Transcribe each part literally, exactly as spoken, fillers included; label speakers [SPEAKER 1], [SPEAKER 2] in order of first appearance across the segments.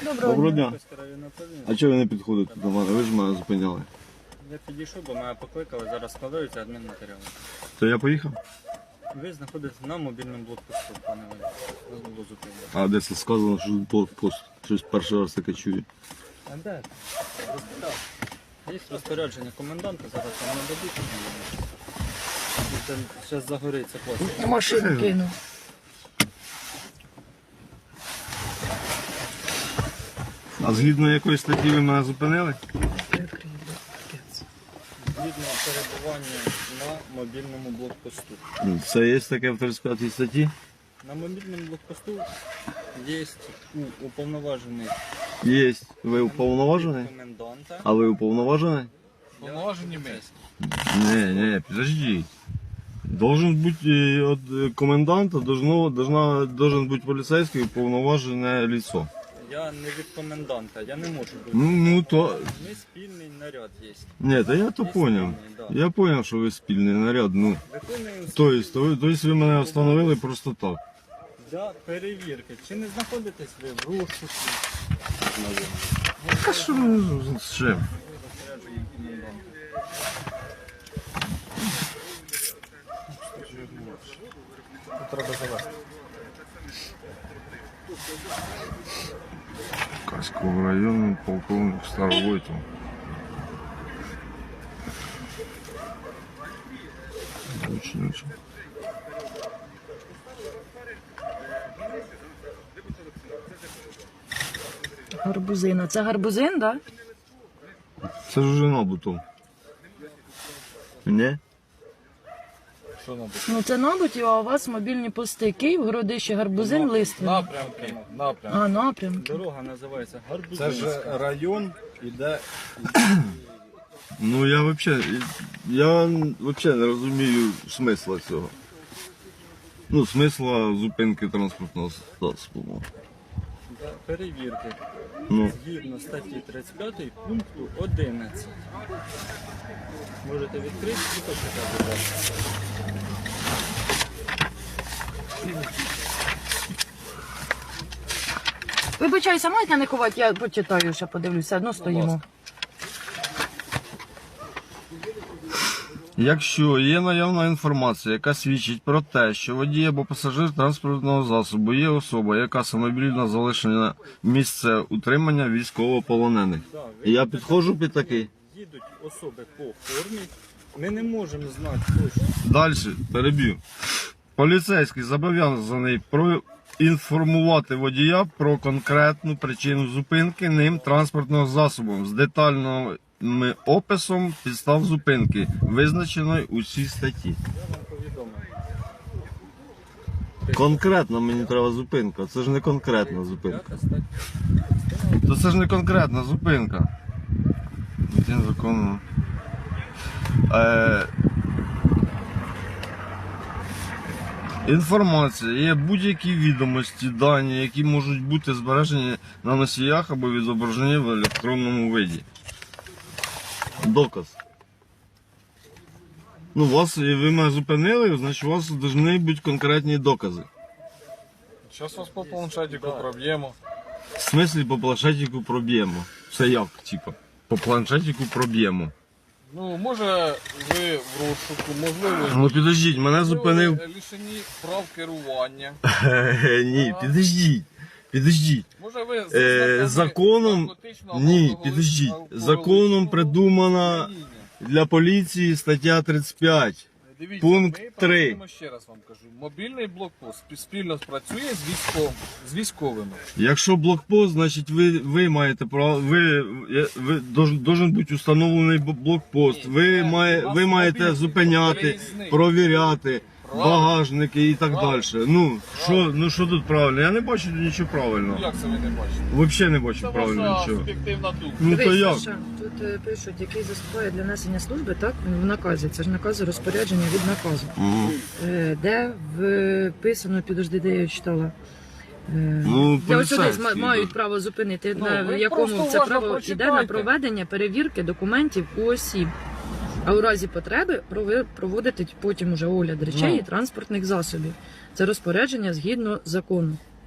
[SPEAKER 1] Доброго,
[SPEAKER 2] Доброго
[SPEAKER 1] дня.
[SPEAKER 2] дня. А чого ви не підходите до мене? Ви ж мене зупиняли.
[SPEAKER 3] Я підійшов, бо мене покликали, зараз складаються адмінматеріали.
[SPEAKER 2] То я поїхав?
[SPEAKER 3] Ви знаходитесь на мобільному блокпосту, пане Валерій. Вас було зупинено.
[SPEAKER 2] А де це сказано, що тут блокпост? Щось перший раз таке чую.
[SPEAKER 3] А де? Розпитав. Є розпорядження коменданта, зараз вам нададуть. Зараз загориться пластик.
[SPEAKER 1] Машину кину.
[SPEAKER 2] А згідно якої статті ви мене зупинили?
[SPEAKER 3] Згідно перебування на мобільному блокпосту.
[SPEAKER 2] Це є таке в тридцять п'ятій статті?
[SPEAKER 3] На мобільному блокпосту є у уповноважений
[SPEAKER 2] Є. Ви уповноважений?
[SPEAKER 3] коменданта.
[SPEAKER 2] А ви уповноважений?
[SPEAKER 3] Уповноважені ми.
[SPEAKER 2] Не, не, подожди. Должен бути е, от е, коменданта, должно, должна, должен бути поліцейський уповноважене лицо.
[SPEAKER 3] Я не від коменданта, я не можу бути.
[SPEAKER 2] Ну, ну то...
[SPEAKER 3] Ми спільний наряд є.
[SPEAKER 2] Ні, та я то поняв. Я поняв, що ви спільний наряд, ну.
[SPEAKER 3] Виконуємо
[SPEAKER 2] Тобто, то ви, тобто ви мене встановили просто так.
[SPEAKER 3] для перевірки. Чи не знаходитесь ви в розшуку?
[SPEAKER 2] Та що ви з чим?
[SPEAKER 3] Розпорядження коменданта. Тут треба завести.
[SPEAKER 2] Каського району, полковник Старовойтов. Учениця.
[SPEAKER 1] Гарбузина. Це гарбузин, так? Да?
[SPEAKER 2] Це ж вже набутом. Ні?
[SPEAKER 3] Що нам?
[SPEAKER 1] Ну це набуті, а у вас мобільні пости. Київ, Городище, Гарбузин, Листвин.
[SPEAKER 4] Напрямки, напрямки.
[SPEAKER 1] А, напрямки.
[SPEAKER 3] Дорога називається
[SPEAKER 4] Це
[SPEAKER 3] Гарбузинська.
[SPEAKER 4] ж район іде.
[SPEAKER 2] Ну я взагалі, я взагалі не розумію смисла цього. Ну, смисла зупинки транспортного засобу.
[SPEAKER 3] Для перевірки.
[SPEAKER 2] Ну,
[SPEAKER 3] Згідно статті тридцять п'ять пункту одинадцять. Можете відкрити і почитати далі.
[SPEAKER 1] Вибачайся, можете не ховати, я почитаю, ще подивлюся, одно стоїмо.
[SPEAKER 2] якщо є наявна інформація, яка свідчить про те, що водій або пасажир транспортного засобу є особа, яка самовільно залишена місце утримання військовополонених. І я підходжу під такий.
[SPEAKER 3] Їдуть особи по формі. Ми не можемо знати точно.
[SPEAKER 2] Далі, переб'ю. Поліцейський зобов'язаний проінформувати водія про конкретну причину зупинки ним транспортного засобу з детальним описом підстав зупинки, визначеної у цій статті.
[SPEAKER 3] Я вам повідомив.
[SPEAKER 2] Конкретно мені треба зупинка, це ж не конкретна зупинка.
[SPEAKER 3] П'ята стаття.
[SPEAKER 2] То це ж не конкретна зупинка. Один законно. Е... Інформація є будь-які відомості, дані, які можуть бути збережені на носіях або відображені в електронному виді. Доказ. Ну, вас, ви мене зупинили, значить у вас повинні бути конкретні докази.
[SPEAKER 4] Зараз вас по планшетику проб'ємо.
[SPEAKER 2] В смислі по планшетику проб'ємо. Це як, типа? По планшетику проб'ємо.
[SPEAKER 4] Ну, може ви в розшуку, можливо,
[SPEAKER 2] Ну підождіть, мене зупинив.
[SPEAKER 4] ви лишені прав керування.
[SPEAKER 2] Е, Ні, підождіть. Підождіть.
[SPEAKER 4] Може ви
[SPEAKER 2] Е, законом, ні, підождіть. Законом придумана для поліції стаття тридцять п'ять.
[SPEAKER 4] Дивіться,
[SPEAKER 2] пункт
[SPEAKER 4] ми
[SPEAKER 2] три.
[SPEAKER 4] працюємо, ще раз вам кажу, мобільний блокпост спільно працює з військовим, з військовими.
[SPEAKER 2] Якщо блокпост, значить ви, ви маєте право, ви, ви должен, должен бути установлений б- блокпост. Ви, має, ви маєте зупиняти, провіряти багажники і так далі. Ну що, ну що тут правильно? Я не бачу тут нічого
[SPEAKER 4] Ну
[SPEAKER 2] правильного.
[SPEAKER 4] як це ви не бачите?
[SPEAKER 2] Взагалі не
[SPEAKER 4] Це
[SPEAKER 2] бачу правильно
[SPEAKER 4] ваша
[SPEAKER 2] нічого.
[SPEAKER 4] суб'єктивна думка.
[SPEAKER 2] Ну то
[SPEAKER 1] Дивись,
[SPEAKER 2] як?
[SPEAKER 1] Саша, тут е, пишуть, який заступає для несення служби, так, в наказі. Це ж накази розпорядження від наказу.
[SPEAKER 2] Мгм.
[SPEAKER 1] Е, Де вписано, підожди, де я читала. Е,
[SPEAKER 2] Ну,
[SPEAKER 1] Де ось сюди
[SPEAKER 2] поліцейський,
[SPEAKER 1] ма- мають
[SPEAKER 2] да.
[SPEAKER 1] право зупинити,
[SPEAKER 4] Ну,
[SPEAKER 1] на
[SPEAKER 4] ви
[SPEAKER 1] якому
[SPEAKER 4] просто
[SPEAKER 1] це
[SPEAKER 4] уважно
[SPEAKER 1] право йде на
[SPEAKER 4] прочитайте.
[SPEAKER 1] проведення перевірки документів у осіб. А у разі потреби прови- проводити потім уже огляд речей
[SPEAKER 2] Ну.
[SPEAKER 1] і транспортних засобів. Це розпорядження згідно закону.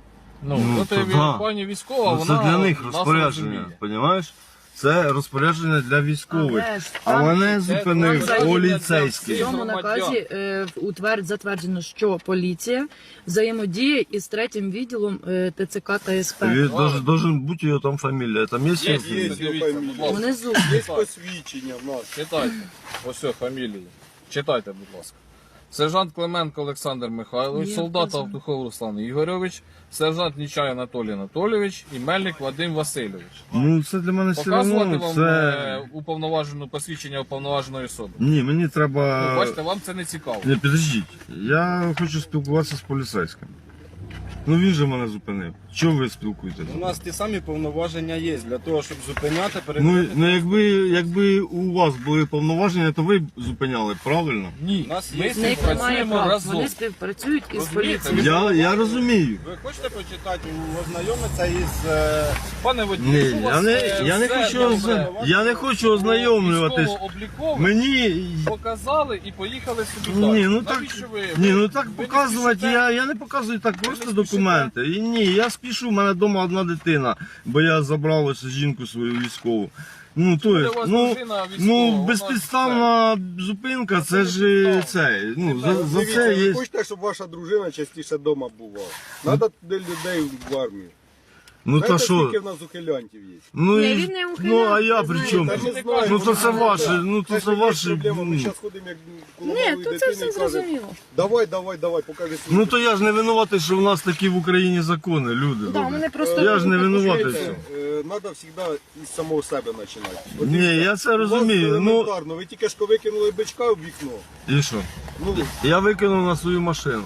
[SPEAKER 4] Ну,
[SPEAKER 2] Ну,
[SPEAKER 4] от
[SPEAKER 2] то
[SPEAKER 4] і
[SPEAKER 2] да.
[SPEAKER 4] пані військова,
[SPEAKER 2] Ну,
[SPEAKER 4] вона
[SPEAKER 2] це для них
[SPEAKER 4] нас
[SPEAKER 2] розпорядження,
[SPEAKER 4] розуміє.
[SPEAKER 2] розумієш? Це розпорядження для військових.
[SPEAKER 1] Але ж
[SPEAKER 2] А
[SPEAKER 1] там
[SPEAKER 2] мене
[SPEAKER 4] це
[SPEAKER 2] зупинив
[SPEAKER 1] взагалі
[SPEAKER 4] для
[SPEAKER 2] поліцейський.
[SPEAKER 1] в цьому
[SPEAKER 4] громадян.
[SPEAKER 1] наказі е, утверд затверджено, що поліція взаємодіє із третім відділом е, ТЦК та СП.
[SPEAKER 2] Він должен, должен бути його там фамілія. Там є
[SPEAKER 4] Є,
[SPEAKER 2] його
[SPEAKER 4] є,
[SPEAKER 2] фамілія?
[SPEAKER 4] дивіться, будь ласка.
[SPEAKER 1] Внизу.
[SPEAKER 5] Є посвідчення в нас.
[SPEAKER 4] Читайте. Ось все, фамілії. Читайте, будь ласка. Сержант Клименко Олександр Михайлович,
[SPEAKER 1] Є
[SPEAKER 4] солдат
[SPEAKER 1] вказано.
[SPEAKER 4] Автухов Руслан Ігорович, сержант Нічай Анатолій Анатолійович і Мельник Вадим Васильович.
[SPEAKER 2] Ну це для мене все
[SPEAKER 4] Показувати
[SPEAKER 2] одно.
[SPEAKER 4] вам
[SPEAKER 2] Це...
[SPEAKER 4] е, уповноважену посвідчення уповноваженої особи.
[SPEAKER 2] Ні, мені треба.
[SPEAKER 4] Ну, бачите, вам це не цікаво.
[SPEAKER 2] Ні, підождіть. Я хочу спілкуватися з поліцейським. Ну він же мене зупинив. Чого ви спілкуєтесь?
[SPEAKER 5] У нас ті самі повноваження є для того, щоб зупиняти,
[SPEAKER 2] Ну,
[SPEAKER 5] перевіряти.
[SPEAKER 2] ну якби, якби у вас були повноваження, то ви б зупиняли, правильно?
[SPEAKER 4] Ні,
[SPEAKER 5] У нас
[SPEAKER 4] ми
[SPEAKER 5] є-
[SPEAKER 1] В них немає
[SPEAKER 4] співпрацюємо
[SPEAKER 1] прав.
[SPEAKER 4] разом.
[SPEAKER 1] Вони співпрацюють із
[SPEAKER 4] Розумієте?
[SPEAKER 1] поліцією.
[SPEAKER 2] Я, я розумію.
[SPEAKER 5] Ви хочете почитати, ознайомитися із... е,
[SPEAKER 4] Пане водій,
[SPEAKER 2] Ні,
[SPEAKER 4] якщо у вас,
[SPEAKER 2] я не,
[SPEAKER 4] е,
[SPEAKER 2] я не
[SPEAKER 4] все
[SPEAKER 2] хочу,
[SPEAKER 4] добре,
[SPEAKER 2] озна- я не хочу ознайомлюватись.
[SPEAKER 4] військово-облікове,
[SPEAKER 2] Мені.
[SPEAKER 4] показали і поїхали собі далі.
[SPEAKER 2] Ні, ну так,
[SPEAKER 4] Навіщо ви?
[SPEAKER 2] ні, ну
[SPEAKER 4] ви-
[SPEAKER 2] так
[SPEAKER 4] ви не
[SPEAKER 2] показувати,
[SPEAKER 4] спішите?
[SPEAKER 2] я, я не показую так просто
[SPEAKER 4] не спішите?
[SPEAKER 2] документи. І ні, я спішу, в мене вдома одна дитина, бо я забрав ось жінку свою військову. Ну, то
[SPEAKER 4] Буде
[SPEAKER 2] є,
[SPEAKER 4] у вас
[SPEAKER 2] ну,
[SPEAKER 4] дружина військова,
[SPEAKER 2] ну,
[SPEAKER 4] вона
[SPEAKER 2] безпідставна зупинка, це ж е, це, ну, за, за
[SPEAKER 5] дивіться,
[SPEAKER 2] це
[SPEAKER 5] ви
[SPEAKER 2] є.
[SPEAKER 5] хочете, щоб ваша дружина частіше вдома бувала. Треба туди людей в армію.
[SPEAKER 2] Ну та
[SPEAKER 5] Знаєте,
[SPEAKER 2] що?
[SPEAKER 5] скільки в нас ухилянтів є?
[SPEAKER 2] Ну,
[SPEAKER 1] Ні,
[SPEAKER 2] і-
[SPEAKER 1] він не
[SPEAKER 2] ну а я
[SPEAKER 1] ухиляється,
[SPEAKER 2] при чому?
[SPEAKER 5] Та
[SPEAKER 1] знаєте.
[SPEAKER 5] не знаю,
[SPEAKER 2] Ну то це
[SPEAKER 5] ну,
[SPEAKER 2] ваше,
[SPEAKER 5] так.
[SPEAKER 2] ну то
[SPEAKER 5] Це
[SPEAKER 2] це
[SPEAKER 5] ж
[SPEAKER 2] ваше.
[SPEAKER 5] проблема. Ми
[SPEAKER 2] ну.
[SPEAKER 5] зараз ходимо як коло
[SPEAKER 1] Ні,
[SPEAKER 5] малої
[SPEAKER 1] то це
[SPEAKER 5] дитини
[SPEAKER 1] все
[SPEAKER 5] і кажемо,
[SPEAKER 1] зрозуміло.
[SPEAKER 5] давай, давай, давай, покажи свій.
[SPEAKER 2] Ну то я ж не винуватий, що в нас такі в Україні закони, люди.
[SPEAKER 1] Да,
[SPEAKER 2] добрі.
[SPEAKER 1] вони просто
[SPEAKER 2] Я ж не винуватий.
[SPEAKER 5] Знаєте,
[SPEAKER 2] в цьому.
[SPEAKER 5] е, Треба завжди із самого себе починати. От
[SPEAKER 2] Ні,
[SPEAKER 5] дивіться,
[SPEAKER 2] я це
[SPEAKER 5] у вас
[SPEAKER 2] розумію. Ну
[SPEAKER 5] елементарно, ви тільки що викинули бичка в вікно.
[SPEAKER 2] і що?
[SPEAKER 5] Ну,
[SPEAKER 2] Я викинув на свою машину.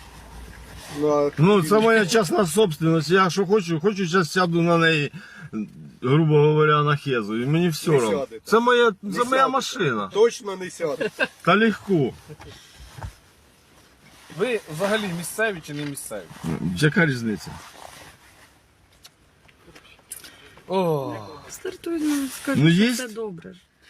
[SPEAKER 5] на...
[SPEAKER 2] Ну, це моя частна собственность. Я що хочу, хочу зараз сяду на неї, грубо говоря, на хезу. І мені все
[SPEAKER 5] Не
[SPEAKER 2] одно.
[SPEAKER 5] сядете.
[SPEAKER 2] Це моя,
[SPEAKER 5] Не
[SPEAKER 2] це моя
[SPEAKER 5] сядете.
[SPEAKER 2] машина.
[SPEAKER 5] Точно не сяде.
[SPEAKER 2] Та легко.
[SPEAKER 4] Ви взагалі місцеві чи не місцеві?
[SPEAKER 2] Яка різниця?
[SPEAKER 4] О,
[SPEAKER 1] Стартуй, ну, скажи,
[SPEAKER 2] Ну,
[SPEAKER 1] що
[SPEAKER 2] є?
[SPEAKER 1] все добре.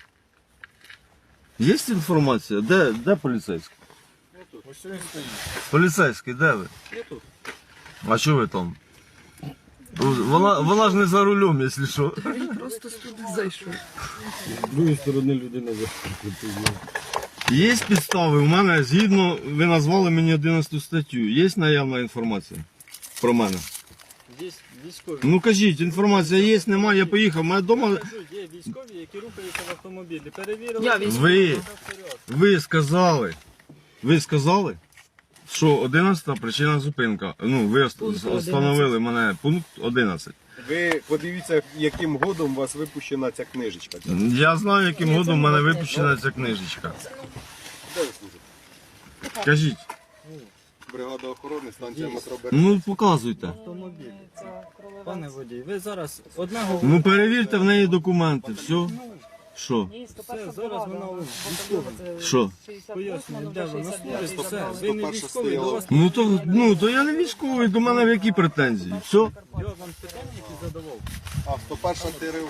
[SPEAKER 2] Є інформація? Де, де поліцейський?
[SPEAKER 4] ось він стоїть.
[SPEAKER 2] Поліцейський, де ви?
[SPEAKER 5] Я тут.
[SPEAKER 2] А що ви там? Вона, вона ж не за рулем, якщо що.
[SPEAKER 1] Він просто туди зайшов.
[SPEAKER 5] З другої сторони людина
[SPEAKER 2] Є підстави, у мене згідно, ви назвали мені одинадцяту статтю. Є наявна інформація про мене?
[SPEAKER 3] Є військові.
[SPEAKER 2] Ну кажіть, інформація є, немає, я поїхав. Мене вдома.
[SPEAKER 3] Кажу, є військові, які рухаються в автомобілі. Перевірили.
[SPEAKER 1] Я військовий.
[SPEAKER 2] Ви, ви сказали, ви сказали, що одинадцята причина зупинка. Ну, ви
[SPEAKER 1] Пункт
[SPEAKER 2] встановили мене пункт одинадцять.
[SPEAKER 5] Ви подивіться, яким годом у вас випущена ця книжечка.
[SPEAKER 2] Я знаю, яким
[SPEAKER 1] Ні, це
[SPEAKER 2] годом в мене
[SPEAKER 1] не
[SPEAKER 2] випущена ця книжечка.
[SPEAKER 5] Де ви служите?
[SPEAKER 2] Кажіть,
[SPEAKER 5] Бригада охорони, станція метро Бер.
[SPEAKER 2] ну показуйте.
[SPEAKER 3] Автомобілі. Пане водій, ви зараз одне говорите.
[SPEAKER 2] Ну перевірте в неї документи, все. Що?
[SPEAKER 3] Все, зараз вона військова.
[SPEAKER 2] Що?
[SPEAKER 3] Пояснює, де вона служить. Все,
[SPEAKER 5] сто
[SPEAKER 3] ви не
[SPEAKER 5] перша
[SPEAKER 3] військовий, до
[SPEAKER 5] стояла.
[SPEAKER 3] вас
[SPEAKER 2] Ну то, ну то я не військовий, до мене в які претензії? Все?
[SPEAKER 3] я вам питання, які задавав.
[SPEAKER 5] А, сто перша ТРУ.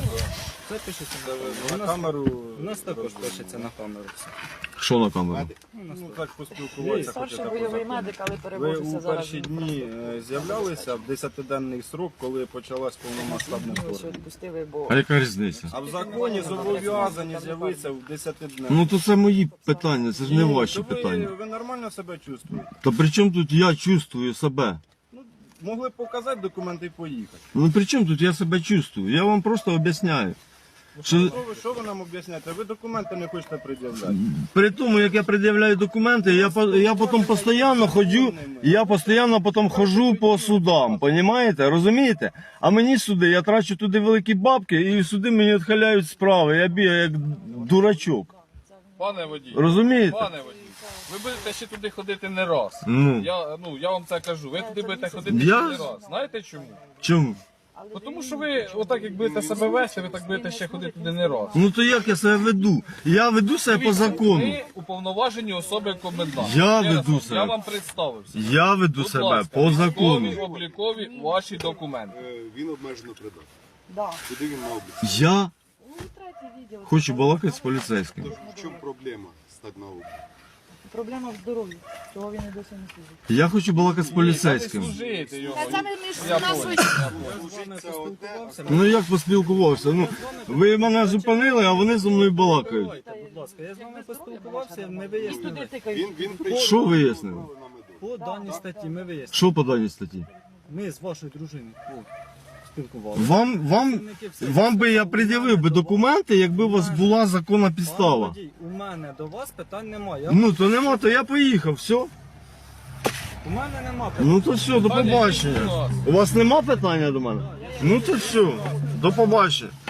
[SPEAKER 3] Це пишеться
[SPEAKER 5] На камеру.
[SPEAKER 3] У нас також пишеться на камеру все.
[SPEAKER 2] Що на камеру?
[SPEAKER 5] Ну так поспілкуватися.
[SPEAKER 1] Старший бойовий медик, але
[SPEAKER 5] Ви
[SPEAKER 1] перевозився
[SPEAKER 5] у
[SPEAKER 1] зараз.
[SPEAKER 5] перші дні е, з'являлися в десятиденний срок, коли почалась повномасштабне
[SPEAKER 1] Ось
[SPEAKER 5] вторгнення.
[SPEAKER 1] відпустили, бо
[SPEAKER 2] А яка різниця?
[SPEAKER 5] А в законі зобов'язані з'явитися в десятиденний.
[SPEAKER 2] Ну то це мої питання, це ж не ваші
[SPEAKER 5] То ви,
[SPEAKER 2] питання.
[SPEAKER 5] ви нормально себе чувствуєте?
[SPEAKER 2] Та при чому тут я чувствую себе?
[SPEAKER 5] Ну, могли б показати документи і поїхати.
[SPEAKER 2] Ну при чому тут я себе чувствую? Я вам просто об'ясняю. Що
[SPEAKER 5] Що ви, що ви нам об'ясняєте? Ви документи не хочете пред'являти.
[SPEAKER 2] при тому, як я пред'являю документи, я, по- я потім постійно ходжу, я постійно потім ходжу по судам, понімаєте? Розумієте? А мені суди, я трачу туди великі бабки, і суди мені відхиляють справи, я бігаю як дурачок.
[SPEAKER 4] Пане водій,
[SPEAKER 2] Розумієте?
[SPEAKER 4] пане водій, ви будете ще туди ходити не раз.
[SPEAKER 2] Ну.
[SPEAKER 4] Я, ну, я вам це кажу, ви туди будете ходити
[SPEAKER 2] Я-
[SPEAKER 4] ще не раз. Знаєте чому?
[SPEAKER 2] Чому?
[SPEAKER 4] Бо Тому що ви отак як будете себе вести, ви так будете ще ходити туди не раз.
[SPEAKER 2] Ну то як я себе веду? Я веду себе по закону.
[SPEAKER 4] Ви уповноважені особи коменданта.
[SPEAKER 2] Я
[SPEAKER 4] Ще раз
[SPEAKER 2] веду
[SPEAKER 4] вам-
[SPEAKER 2] себе.
[SPEAKER 4] Я вам представився.
[SPEAKER 2] Я веду
[SPEAKER 4] Будь
[SPEAKER 2] себе
[SPEAKER 4] ласка,
[SPEAKER 2] по закону.
[SPEAKER 4] військові, облікові ваші документи.
[SPEAKER 5] Е, Він обмежено придатний.
[SPEAKER 1] да.
[SPEAKER 5] Куди він на облік?
[SPEAKER 2] Я
[SPEAKER 1] Ну, третій відділ.
[SPEAKER 2] хочу балакати з поліцейським.
[SPEAKER 5] В чому проблема стати на облік?
[SPEAKER 1] Проблема в здоров'ї. Чого він і досі не служить?
[SPEAKER 2] Я хочу балакати з поліцейським.
[SPEAKER 5] Служити його.
[SPEAKER 1] Та це ми між
[SPEAKER 5] Я
[SPEAKER 1] нас
[SPEAKER 5] понял.
[SPEAKER 1] ось-
[SPEAKER 3] Я з вами поспілкувався.
[SPEAKER 2] Ну як поспілкувався? Ну, ви мене зупинили, а вони зі мною балакають.
[SPEAKER 3] Давайте, будь ласка, я з вами поспілкувався, ми
[SPEAKER 1] І
[SPEAKER 3] вияснили.
[SPEAKER 1] туди тикають.
[SPEAKER 2] Що вияснили?
[SPEAKER 3] По даній статті ми вияснили.
[SPEAKER 2] Що по даній статті?
[SPEAKER 3] Ми з вашою дружиною о, спілкувалися.
[SPEAKER 2] Вам, вам, вам би я пред'явив би документи, якби у вас була законна
[SPEAKER 3] Пане
[SPEAKER 2] підстава.
[SPEAKER 3] водій, у мене до вас питань немає. Я-
[SPEAKER 2] Ну то нема, то я поїхав, все.
[SPEAKER 3] У мене нема питань.
[SPEAKER 2] Ну то все, до побачення. У вас нема питання до мене? Ну то все, до побачення.